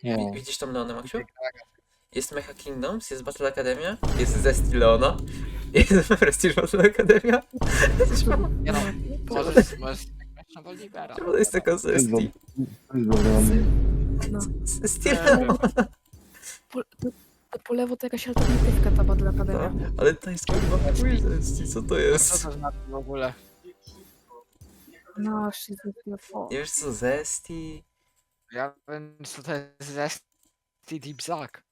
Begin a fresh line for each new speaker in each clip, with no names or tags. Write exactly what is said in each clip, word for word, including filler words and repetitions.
Wi-
No.
Widzisz tą Leonę, Maksiu? Jest Mecha Kingdoms, jest Battle Academia, jest Zesty Leona, jest Prestige Battle Academia.
Nie no, możesz, możesz grać na Bolivera.
Czemu to jest taka
To jest
Zesty?
do- to jest dobrze.
No.
Zesty
Nie
Leona.
Po, to, to po lewo to jakaś alternatywka ta Battle Academia.
No, ale to jest kurwa chuj Zesty, co to
Co
jest?
to znaczy w ogóle?
No, shit, o.
Nie wiesz co Zesty?
Ja wiem co to jest Zesty Deep Zack.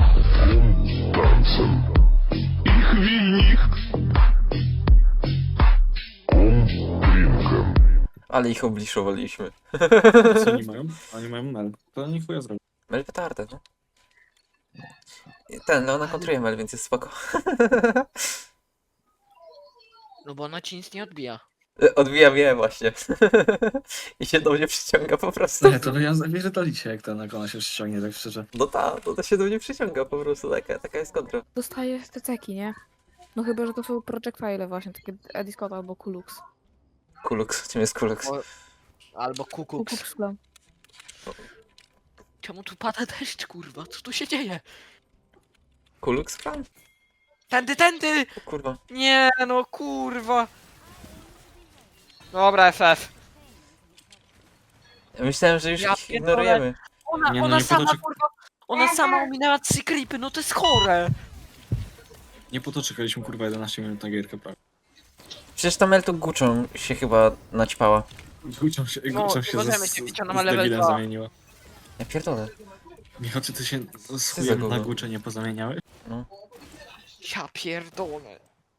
Ale ich obliszowaliśmy.
Co oni mają? Oni mają mel. To nie chuja zrobił.
Mel petardę, no. Ten, Leona kontruje Mel, więc jest spoko.
No bo ona ci nic nie odbija.
Odbija mnie właśnie. I się do mnie przyciąga po prostu.
Nie, to ja zapierdolicie jak ten, jak ona się ściągnie, tak szczerze.
No ta, to, to się do mnie przyciąga po prostu, taka, taka jest kontra.
Dostaje te ceki, nie? No chyba, że to są projectile właśnie, takie Ediscott albo Kulux.
Kulux, czym jest Kulux?
O, albo Kukuks.
Kulux Clan.
Czemu tu pada deszcz, kurwa? Co tu się dzieje?
Kulux Clan?
Tędy, tędy!
O kurwa.
Nie no, kurwa. Dobra, F F.
Ja myślałem, że już
Ja
ich
pierdolę.
ignorujemy.
Ona,
Nie, no
ona
nie
sama,
potoczy-
kurwa, ona sama ominęła trzy creepy, no to jest chore.
Nie po to czekaliśmy kurwa jedenaście minut na gierkę prawie.
Przecież ta Mel to Guczą się chyba naćpała.
Gucią się,
No,
gucią się
możemy
z,
się
z,
bić, ona
z
ma level
debilem
dwa.
zamieniła.
Ja pierdolę.
Michał, czy ty się z
za
chujem
gówno?
na gucze nie pozamieniałeś?
Ja pierdolę.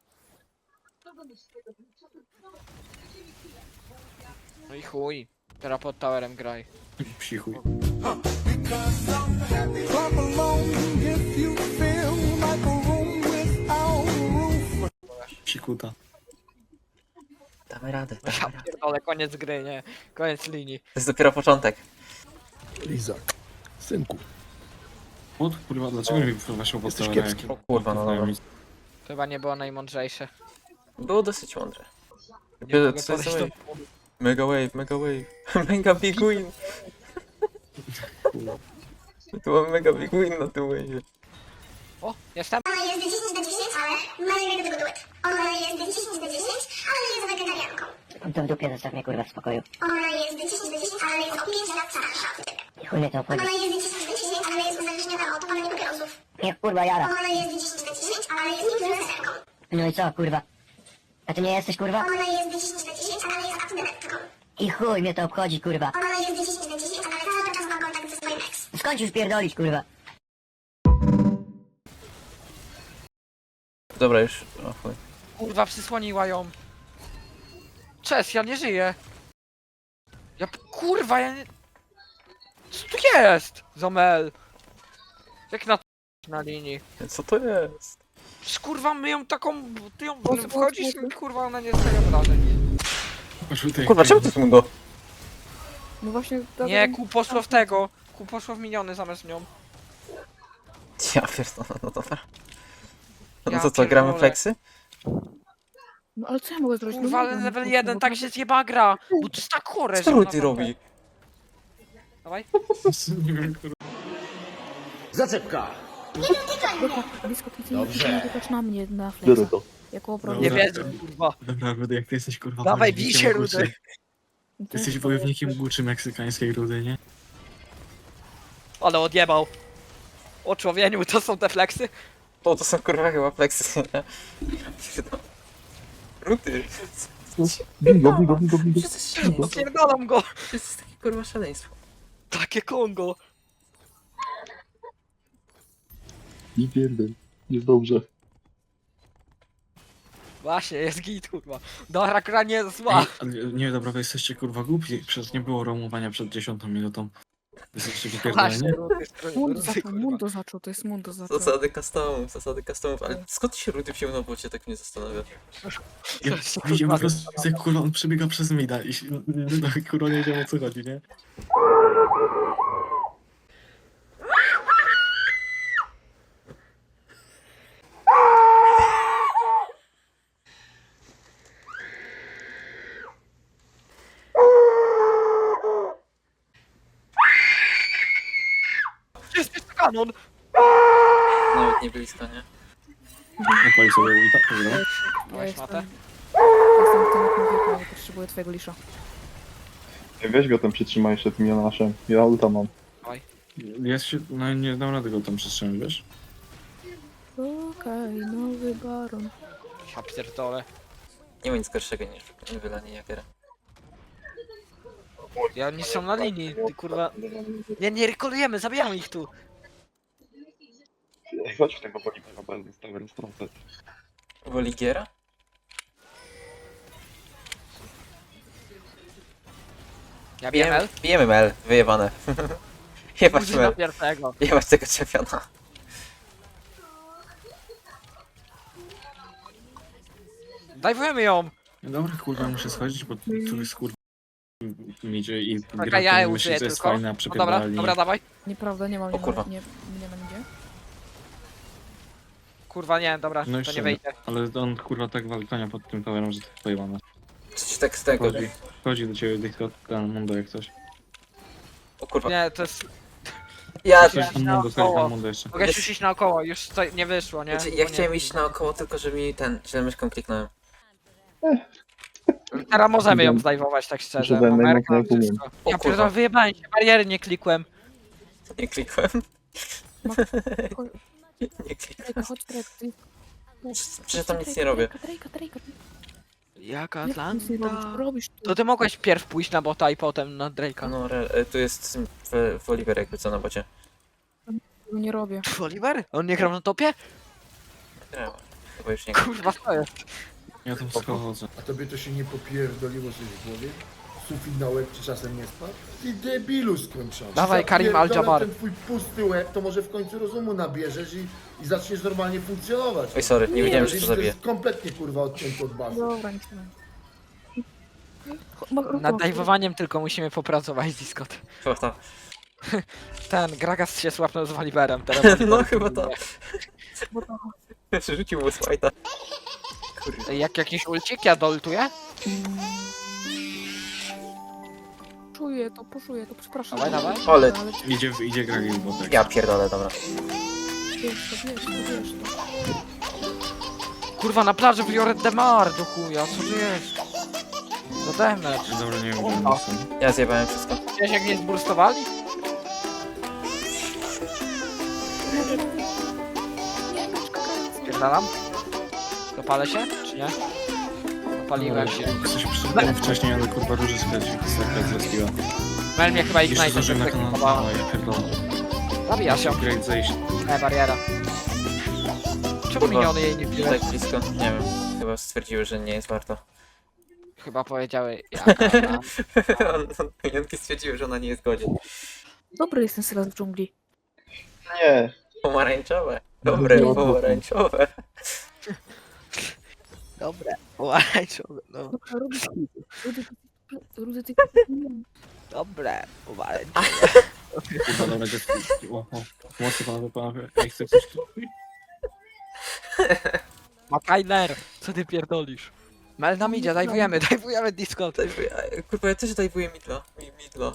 No i chuj. Teraz pod towerem graj.
Psi chuj.
Clap along if you feel like a room without a roof.
Psi kuta.
Damy radę,
Ja
damy radę.
pierdolę, koniec gry, nie? Koniec linii.
To jest dopiero początek.
Lizak, synku.
Od kurwa, dlaczego mi wprowadził pod
Jesteś
towerem,
kiepski.
jak-
O kurwa, no dobra.
To chyba nie było najmądrzejsze.
Było dosyć mądre.
Nie
Dopiero
mogę
co jest
podejść
wave?
do...
Mega wave, mega wave. Mega big win. Tu mam mega big win na tym wave.
O, jestem.
Ona jest dziesięć na dziesięć, ale ma nie wiem do tego duet. Ona jest dziesięć na dziesięć, ale nie jest wegetarianką.
To w dupie zostaw mnie kurwa w spokoju.
Ona jest dziesięć na dziesięć, ale jest o pięć lat starsza od ciebie.
I chuj mnie to obchodzi.
Ona jest dziesięć na dziesięć, ale jest uzależniona od palenia papierosów.
Niech kurwa jara.
Ona jest dziesięć na dziesięć, ale jest influencerką.
No i co kurwa? A ty nie jesteś kurwa?
Ona jest dziesięć na dziesięć, ale jest abstynentką.
I chuj mnie to obchodzi kurwa.
Ona jest dziesięć na dziesięć, ale cały czas ma kontakt ze swoim ex.
Skończ już pierdolić kurwa.
Dobra, już. O chuj.
Kurwa, przysłoniła ją. Cześć, ja nie żyję. Ja... p- Kurwa, ja nie... Co tu jest? Zomel. Jak na... na linii.
Co to jest?
Przecież, kurwa, my ją taką... Ty ją...
Po co,
Wchodzisz
po co?
i kurwa, ona nie staje wrażeń.
Poszły ty-
Kurwa, czemu ty tu go?
No właśnie... to-
Nie, ku poszło w tego. Ku poszło w miniony zamiast nią.
Ja pierdolę, no dobra. No
Ja
to co, gramy
pierdolę.
fleksy?
No ale co ja mogę zrobić?
Kurwa,
No,
ale
mogę,
level
no,
jeden
no,
tak
no,
się zjeba gra. Bo to jest tak chore,
Co
że ona
Ruty
tam-
robi?
Dawaj.
Nie wiem, kurwa.
Zaczepka.
Dobra, blisko ty nie wykasz na mnie na flexa. Jako obronę.
Nie
Dobra.
wierzę, kurwa.
Dobra, Rudy, jak ty jesteś kurwa
Dawaj,
wojownikiem
bij się,
Guczy.
Rudy.
Ty jesteś wojownikiem Guczy meksykańskiej Rudy, nie?
Ale odjebał. O człowieniu, to są te fleksy?
O, to są kurwa chyba fleksy, nie? Ja pierdolę. Ruty.
Bigo, bigo, bigo, bigo.
To jest szaleństwo.
Opierdalam go.
To jest takie kurwa szaleństwo.
Takie Kongo.
Nie pierdol. Jest dobrze.
Właśnie, jest git, kurwa. Dobra, gra nie jest zła.
Ej, ale nie, dobra, wy jesteście kurwa głupi, przecież nie było romowania przed dziesiątą minutą. Jesteście
Właśnie,
wypierdoleni.
Rudy,
Mundo
Rudy,
zaczął,
kurwa.
Mundo zaczął, to jest Mundo zaczął.
Zasady customów, zasady customów, ale skąd się Ruty wziął na bocie, tak mnie zastanawia.
Ja widziałem po prostu, jak kurwa on przebiega przez mida i się- no, kurwa nie wiedziałem o co chodzi, nie?
kanon!
Nawet nie blisko, nie?
Odpali sobie ulta, dobra.
Ja
Dałeś
jestem...
matę?
Jestem tym wieku, nie potrzebuję twojego lisza.
Ej, weź go tam przytrzymaj jeszcze tym Jonaszem. Ja ulta mam.
Jest się, no nie dam rady go tam przytrzymać, wiesz?
Okej, nowy baron.
Ja pierdolę.
Nie ma nic gorszego niż nie wylanie Jagera.
Ja oni są na linii, ty kurwa. Nie, nie rekolujemy, zabijamy ich tu.
Ej, chodź w tego Bolivera, bo jest tower strącać.
Woli Giera?
Ja wiem,
Bijemy, bijemy Mel, wyjebane. Jebać
Użyj na
Mel,
pierwszego.
jebać tego czempiona.
Dajwujemy ją!
No dobra, kurwa, muszę schodzić, bo tu jest kurwa mi idzie i
Czekaj,
gra
ja je
to myśli,
użyję
że jest
tylko.
fajna,
O, dobra,
przepierdali.
dobra, dawaj.
Nieprawda, nie mam, nie
O kurwa.
mam, nie, nie ma nigdzie.
Kurwa nie, dobra,
No
to
jeszcze
nie wejdzie.
Ale on kurwa tak wali konia pod tym towerem, że to jest pojebane.
Coś tak z tego.
Chodzi, chodzi do ciebie Discord, ten Mundo jak coś.
O kurwa.
Nie, to jest...
Ja,
Coś tam Mundo, coś tam Mundo jeszcze.
Mogę
Jest-
już iść naokoło, już to nie wyszło, nie?
Znaczy,
Bo
ja
nie-
chciałem iść naokoło, tylko że mi ten, źle myszką kliknąłem.
Teraz możemy ją zdajwować, tak szczerze.
Że daj
Numerka,
najmocniej jak
wszystko.
O
Ja
kurwa.
pierdolę, wyjebałem się, bariery nie klikłem.
Nie klikłem.
Chodź,
Nie klikłem.
Drejka, chodź, Drejka, ty...
Przecież tam nic nie robię.
Drejka, Drejka,
Jak
Jak ty nic nie robisz? Robisz tu.
To ty mogłeś pierw pójść na bota i potem na Drake'a.
No, re, e, tu jest w, w Oliver jakby co na bocie.
Tego nie robię.
Pff, Oliver? On nie grał na topie?
Grałem. Chyba już nie
Kurwa, co jest?
Ja tam schodzę.
A tobie to się nie popierdoliło coś w głowie? Sufit na łeb ci czasem nie spadł? Ty debilu skończony.
Dawaj, Karim
Zapierdolę
Al-Jabbar.
ten twój pusty łeb, to może w końcu rozumu nabierzesz i, i zaczniesz normalnie funkcjonować.
Oj, sorry, nie
Nie,
wiedziałem, że
Jeżeli
to
to
zabije.
jest kompletnie kurwa odcięty od bazy.
Dobra, nic nie mam.
Nad dajwowaniem tylko musimy popracować, Discord.
Chyba to.
Ten, Gragas się słapnął z Waliberem teraz.
No chyba to. Przerzucił mu smajta. Kurde.
Ej, Jak jakiś ulcik, ja doltuję?
Czuję to, poszuję to, przepraszam.
Dawaj, dawaj.
Ale-
Ale
Idzie, idzie gra i botek.
Ja pierdolę, dobra.
wiesz to, wiesz to, wiesz to.
Kurwa, na plaży Violet Demar, do chuja, co tu jest? To damage.
Dobra, nie wiem,
O.
gdzie jestem.
Ja zjebałem wszystko.
Wiesz jak nie zburstowali? Pierdalam? Dopalę się, czy nie? Dopaliłem się.
Coś przyszedłem wcześniej, ale kurwa róży schodzi. Tak zrespiła.
Mel mnie chyba
Jeszcze
Ignite
zdążyłem na kanał.
zaklikowało.
No ja pierdolę.
Zabija się.
Great zejść.
E, bariera. Czemu
Kurwa.
miniony jej nie wbiłeś?
Tak blisko, nie wiem. Chyba stwierdziły, że nie jest warto.
Chyba powiedziały jaka ona.
On, on, Minionki stwierdziły, że ona nie jest godzien.
Dobry jest ten sylas w dżungli.
Nie.
Pomarańczowe. Dobre,
No.
pomarańczowe.
Dobre. Pomarańczowe, no.
Dobra, Rudy, Rudy, Rudy, ty...
Dobre. Pomarańczowe.
Kurwa, dobra, dziecko. O, o. Mocno panowie, panowie. Ej, chcę coś tu.
Makajner, co ty pierdolisz? Mel nam idzie, dajwujemy, dajwujemy Discord.
Dajwuję- a, Kurwa, ja też dajwuję midla. Mi- Midla.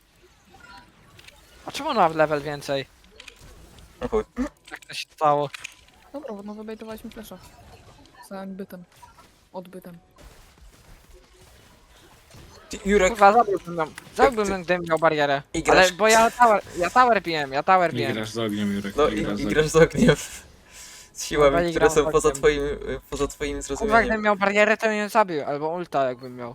A czemu ona ma level więcej?
O chuj.
Jak to się stało?
Dobra, no wybejtowaliśmy flesza. Za bytem. Odbytem.
Ty, Jurek,
Kurwa, zabiłbym ją. Zabiłbym
ty-
ją, gdybym miał barierę.
I grasz-
Ale, bo ja tower, ja tower biłem, ja tower
Nie
biłem.
grasz z ogniem, Jurek.
no
nie
i,
grasz z
i
ogniem.
grasz z ogniem. Z siłami,
Dobra, i
które
gram
są
z
poza
ogniem.
twoim, poza twoim
Kurwa,
zrozumieniem.
gdybym miał barierę, to bym ją zabił, albo ulta jakbym miał.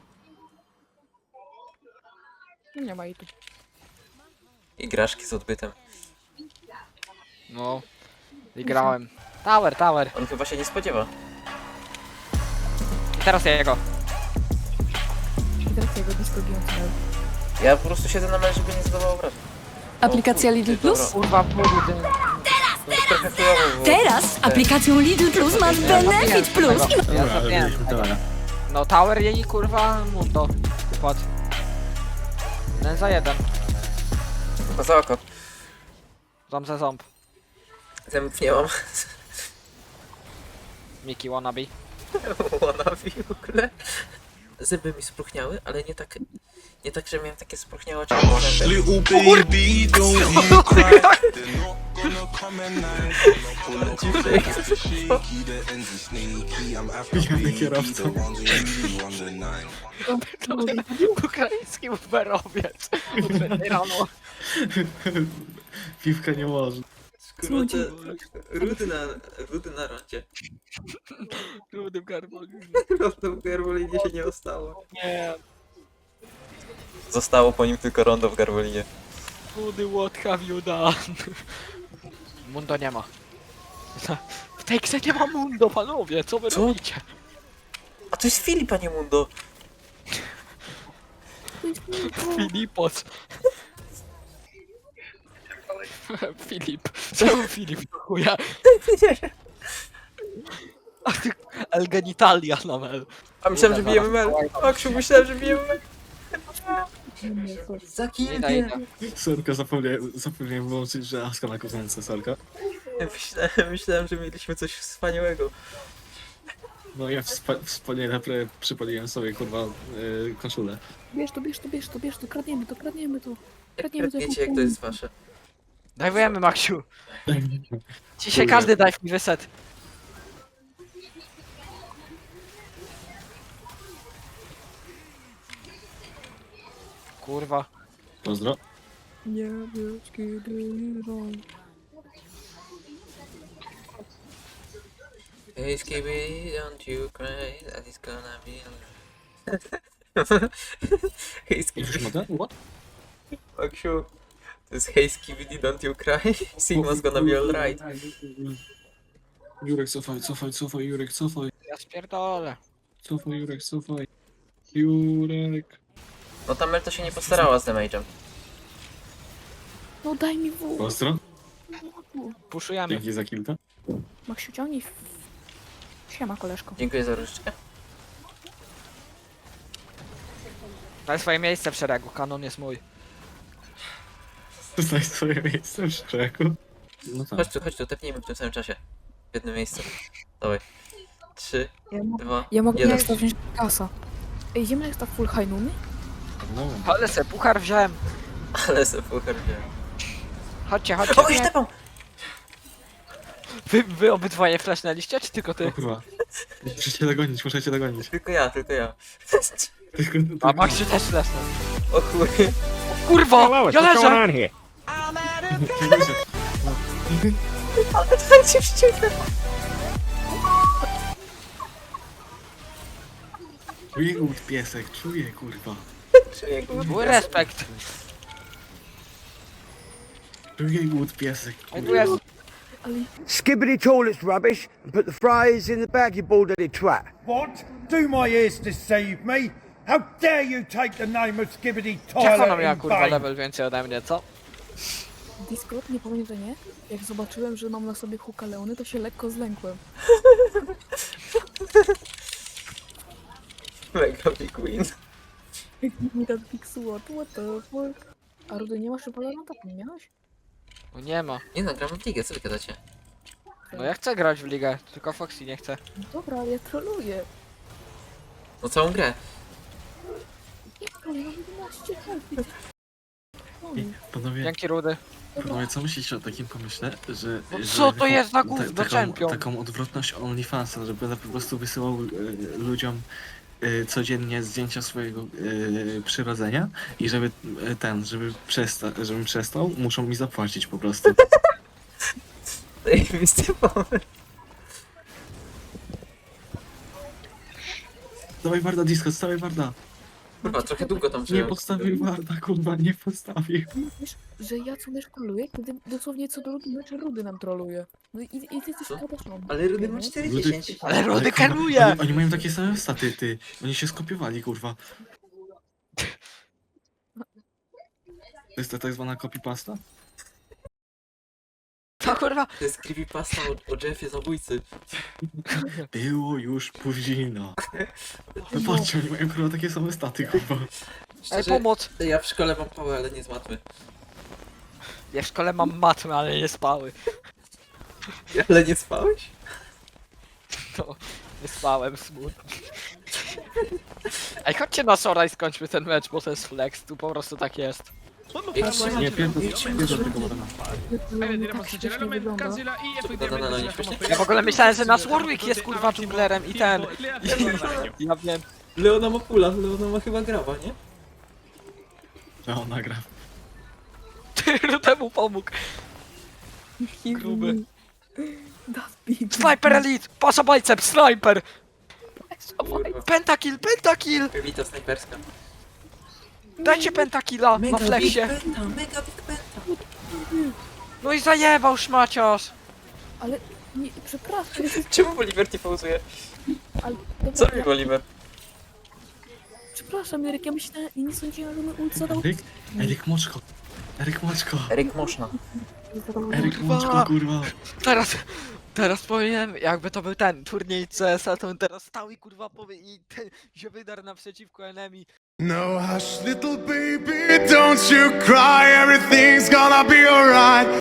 Nie ma i tu.
I graszki z odbytem.
No. I grałem. Tower, tower.
On chyba się nie spodziewa.
I teraz jego.
I teraz jego disco giący.
Ja po prostu siedzę na mecz, żeby nie zadawał obrażeń.
Aplikacja
O,
Lidl
dobra.
Plus?
Kurwa, budu ten...
Trochę chujowo było.
Teraz aplikacją Lidl Plus masz Benefit Plus.
Ja
Dobra, ale
zabiłem.
byliśmy tyle.
No tower jej kurwa mundo. Układ. Jeden za jeden.
Tylko za oko.
Ząb za ząb.
Zębów nie mam.
Miki wannabe.
Wannabe w ogóle. Zęby mi spróchniały, ale nie tak... Nie tak, że miałem takie spróchniałe oczy.
Little baby, don't you cry.
Pijany kierowca.
Ukraiński uberowiec. Rano.
Piwka nie może.
Skróty, rudy na, rudy na rondzie.
Rudym garbolinie.
Rondo w Garwolinie się nie ostało.
Nie.
Zostało po nim tylko rondo w Garwolinie.
Rudy, what have you done? Mundo nie ma. W tej grze nie ma Mundo, panowie, co wy
Co?
robicie?
A to jest Filip, a nie Mundo.
Filipos. Filip. Czemu Filip do chuja? A ty... El genitalia na mel.
A myślałem, że bijemy Mel. Aksiu, myślałem, że bijemy Mel. Za
Nie da, nie da.
Sorka, zapomniałem, zapomniałem wyłączyć, że Aska na kozence, sorka.
Myślałem, myślałem, że mieliśmy coś wspaniałego.
No ja wspa- wspaniale pre- przypaliłem sobie, kurwa, yy, koszulę.
Bierz to, bierz to, bierz to, bierz to, kradniemy to, kradniemy to.
Jak wiecie, jak to jest wasze.
Dajwujemy, Maksiu. Dzisiaj każdy dive mi wyset. Kurwa.
Pozdro.
Niebieskie dyrą.
Hey Skibby, don't you cry, that is gonna be Hey
Już
Skibby,
mogę? What?
Aksiu. To jest Hey Skibby, don't you cry, Sigma's gonna be alright.
Jurek, cofaj, cofaj, cofaj, Jurek, cofaj.
Ja spierdolę.
Cofaj, Jurek, cofaj. Jurek.
No ta Mel to się nie postarała z damage'em.
No daj mi wół.
Pozdro.
Puszujemy.
Dzięki za kilka.
Maksiu, ciągnij. w- Siema, koleżko.
Dziękuję za różdżkę.
Daj swoje miejsce w szeregu, kanon jest mój.
Znaj swoje miejsce w szczeku. No tak.
Chodź tu, chodź tu, tepnijmy w tym samym czasie. W jednym miejscu. Dawaj. Trzy,
Ja, mo-
dwa,
ja mogę
jeden.
jak to wziąć kasa. Ej, idziemy jak to full hajnuny?
No.
Ale se puchar wziąłem.
Ale se puchar wziąłem.
Chodźcie, chodźcie.
O, już tepam!
Wy, wy obydwoje flashnęliście, czy tylko
O
ty?
kurwa. Muszę cię dogonić, muszę cię dogonić.
Tylko ja, tylko ja.
Tylko,
A
tylko...
Maksiu też flashnął.
O chuj.
Kurwa! Ja leżę!
Ale to się wściekle.
Czuję głód piesek, czuję kurwa.
Czuję go.
Mój respekt.
Czuję głód piesek,
Ej, tu
kurwa.
jest.
Skibbity toilet's rubbish and put the fries in the baggy baldy twat.
What? Do my ears deceive me? How dare you take the name of Skibbity
Jak ona
Toilet
miała
in
kurwa
vain?
level więcej ode mnie, co?
Discord, nie powiem, że nie. Jak zobaczyłem, że mam na sobie huka Leony, to się lekko zlękłem.
Mega big win.
Mi tak big sword, what the fuck? A Rudy, nie masz Valoranta? Nie miałeś?
No nie ma.
Nie no, gramy w ligę, co wy gadacie?
No ja chcę grać w ligę, tylko Foxy nie chce.
No dobra, ale ja troluję.
No całą grę.
Ja troluję, mam jedenaście health.
Ej, Panowie,
Dzięki Rudy.
panowie, co myślicie o takim pomyśle, że...
No
że
co to
taką-
jest za
ta-
gówno,
taką,
champion?
taką odwrotność OnlyFansa, żeby po prostu wysyłał e, ludziom e, codziennie zdjęcia swojego e, przyrodzenia i żeby e, ten, żeby przesta- żebym przestał, muszą mi zapłacić po prostu.
Zajebisty pomysł.
Dawaj Warda, disco, dawaj Warda.
Kurwa, trochę długo tam
Nie
żyłem.
postawił Warda, kurwa, nie postawił.
Mówisz, że ja co mecz troluję, kiedy dosłownie co do meczu Rudy nam troluje. No i, i ty jesteś
Co?
katastrofą.
Ale Rudy ma cztery dziesięć.
Ale Rudy
kurwa,
karuje!
Oni, oni mają takie same staty, ty. Oni się skopiowali, kurwa. To jest ta tak zwana copypasta?
To kurwa.
To jest creepypasta o, o Jeffie zabójcy.
Było już późno. No patrzcie, oni mają kurwa takie same staty, kurwa.
Ej,
Szczerze,
pomoc!
ja w szkole mam pałę, ale nie z matmy.
Ja w szkole mam matmy, ale nie spały.
Ale nie spałeś?
No, nie spałem, smutno. Ej, chodźcie na Sora i skończmy ten mecz, bo to jest flex, tu po prostu tak jest.
Jak trzyma
Nie,
cię,
pierdol,
jak trzyma
pierdol
cię.
tego Barona.
Tak śmiesznie wygląda.
No, no, no, nie śmiesznie?
Ja w ogóle myślałem, że nasz Warwick jest kurwa dżunglerem i ten. Ja wiem.
Leona ma pula, Leona ma chyba graba, nie?
No, nagra.
Ty temu pomógł. Gruby.
That big.
Sniper Elite! Pasza bicep, sniper!
Kurwa.
Pentakill, pentakill!
Elita snajperska.
Dajcie pentakilla na flexie.
penta, mega big penta.
No i zajebał szmaciarz.
Ale nie, przepraszam, jest,
Czemu Bolivar nie pauzuje?
ale
Co
dobra,
robi
ja,
Bolivar?
przepraszam, Eryk, ja myślałem, ja nie sądziłem, że mój ult zadał...
Eryk? Eryk Moczko. Eryk Moczko.
Eryk Moszna.
zadał
Eryk
Kurwa.
Moczko, kurwa.
Teraz, teraz powiem, jakby to był ten turniej C S a, to bym teraz stał i kurwa powie i ten się wydarł naprzeciwko enemy.
No hush, little baby, don't you cry. Everything's gonna be alright.